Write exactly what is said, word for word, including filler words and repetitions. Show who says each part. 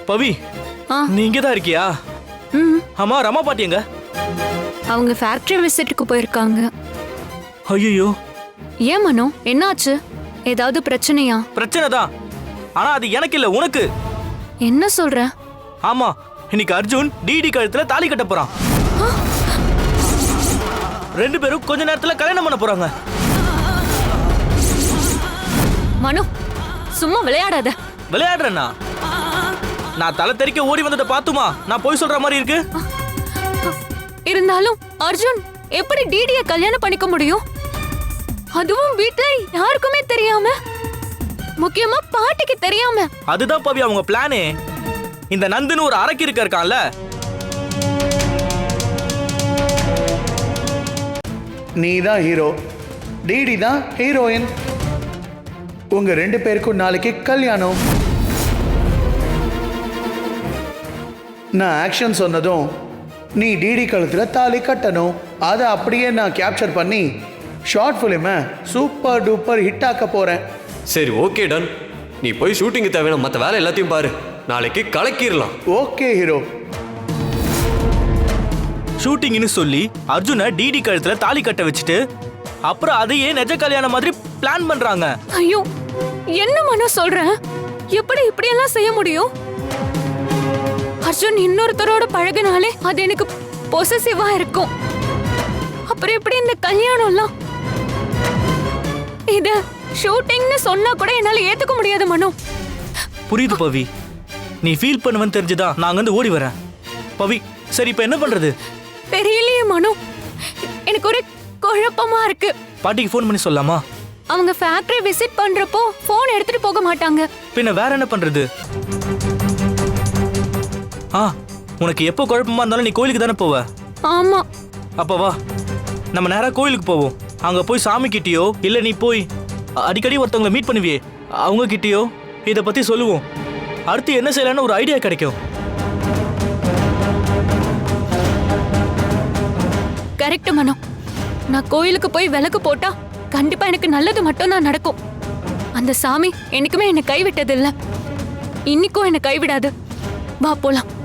Speaker 1: பவி, நீ இங்கதான் இருக்கியா?
Speaker 2: ம்.
Speaker 1: ஆமா, ரமா பாட்டி எங்க?
Speaker 2: அவங்க ஃபேக்டரி விசிட்டுக்கு போயிருக்காங்க.
Speaker 1: ஐயோ,
Speaker 2: ஏன் மனோ, என்னாச்சு? ஏதாவது பிரச்சனையா?
Speaker 1: பிரச்சனை தான். ஆனா அது எனக்கு இல்ல, உனக்கு.
Speaker 2: என்ன சொல்ற?
Speaker 1: ஆமா, இன்னைக்கு அர்ஜுன் டிடி கழுத்துல தாலி கட்ட போறான். ரெண்டு பேரும் கொஞ்ச நேரத்துல கல்யாணம் பண்ண போறாங்க.
Speaker 2: மனோ, சும்மா விளையாடாத.
Speaker 1: விளையாடுறேன்னா? நான் தலை தெறிக்க ஓடி வந்ததை பாத்துமா நான் போய் சொல்ற மாதிரி இருக்கு?
Speaker 2: இருந்தாலும் அர்ஜுன் எப்படி டிடிய கல்யாணம் பண்ணிக்க முடியும்? அதுவும் வீட்ல யாருக்குமே தெரியாம, முக்கியமா பாட்டிக்கு தெரியாம.
Speaker 1: அதுதான் பவி அவங்க பிளானே. இந்த நந்துன்னு ஒரு அரக்கி இருக்க இருக்கான்ல,
Speaker 3: நீ தான் ஹீரோ, டிடி தான் ஹீரோயின். உங்க ரெண்டு பேருக்கும் நாளைக்கு கல்யாணம். நான் ஆக்ஷன் சொன்னதும் நீ டிடி கழுத்துல தாலி கட்டணும். அதை அப்படியே நான் கேப்சர் பண்ணி ஷார்ட் ஃபிலிமை சூப்பர் டூப்பர் ஹிட் ஆக்க போறேன்.
Speaker 4: சரி, ஓகே டன். நீ போய் ஷூட்டிங்கு தேவையான மற்ற வேலை எல்லாத்தையும் பாரு. நாளைக்கு கலக்கிடலாம்.
Speaker 3: Okay hero.
Speaker 1: ஷூட்டிங்னு சொல்லி அர்ஜுனை டிடி கழுத்துல தாலி கட்ட வச்சுட்டு அப்புறம் அதையே நிஜ கல்யாணம் மாதிரி பிளான் பண்றாங்க.
Speaker 2: ஐயோ, என்ன மனோ சொல்ற? எப்படி இப்படி எல்லாம் செய்ய முடியும்? அர்ஜுன் இன்னொருத்தரோட பழகினாலே அது எனக்கு பொசசிவா இருக்கும். அப்புறம் எப்படி இந்த கல்யாணம் எல்லாம்? இத ஷூட்டிங்னு சொன்னா கூட என்னால ஏத்துக்க முடியாது மனோ.
Speaker 1: புரியுது பவி, நீ ஃபீல் பண்ணுவேன்னு தெரிஞ்சுதான் நான் வந்து ஓடி வரேன். பவி, சரி இப்ப என்ன பண்றது?
Speaker 2: தெரியலையே மனோ, எனக்கு ஒரு குழப்பமா இருக்கு.
Speaker 1: பாட்டிக்கு ஃபோன் பண்ணி சொல்லலாமா?
Speaker 2: அவங்க ஃபேக்டரி விசிட் பண்றப்போ போன் எடுத்துட்டு போக மாட்டாங்க.
Speaker 1: பின்ன வேற என்ன பண்றது? ஆ, உனக்கு எப்போ குழப்பமா இருந்தாலும் நீ கோயிலுக்கு தானே போவ?
Speaker 2: ஆமா.
Speaker 1: அப்ப வா, நம்ம நேரா கோயிலுக்கு போவோம். அங்க போய் சாமி கிட்டயோ இல்ல நீ போய் அடிக்கடி ஒருத்தவங்களை மீட் பண்ணுவியே அவங்க கிட்டயோ இத பத்தி சொல்லுவோம். அடுத்து என்ன செய்யலாம்னு ஒரு ஐடியா கிடைக்கும்.
Speaker 2: கரெக்ட் மனோ. நான் கோயிலுக்கு போய் விளக்கு போட்டா கண்டிப்பா எனக்கு நல்லது மட்டும் தான் நடக்கும். அந்த சாமி என்னைக்குமே என்னை கைவிட்டது இல்ல, இன்னைக்கும் என்னை கைவிடாது. வா போலாம்.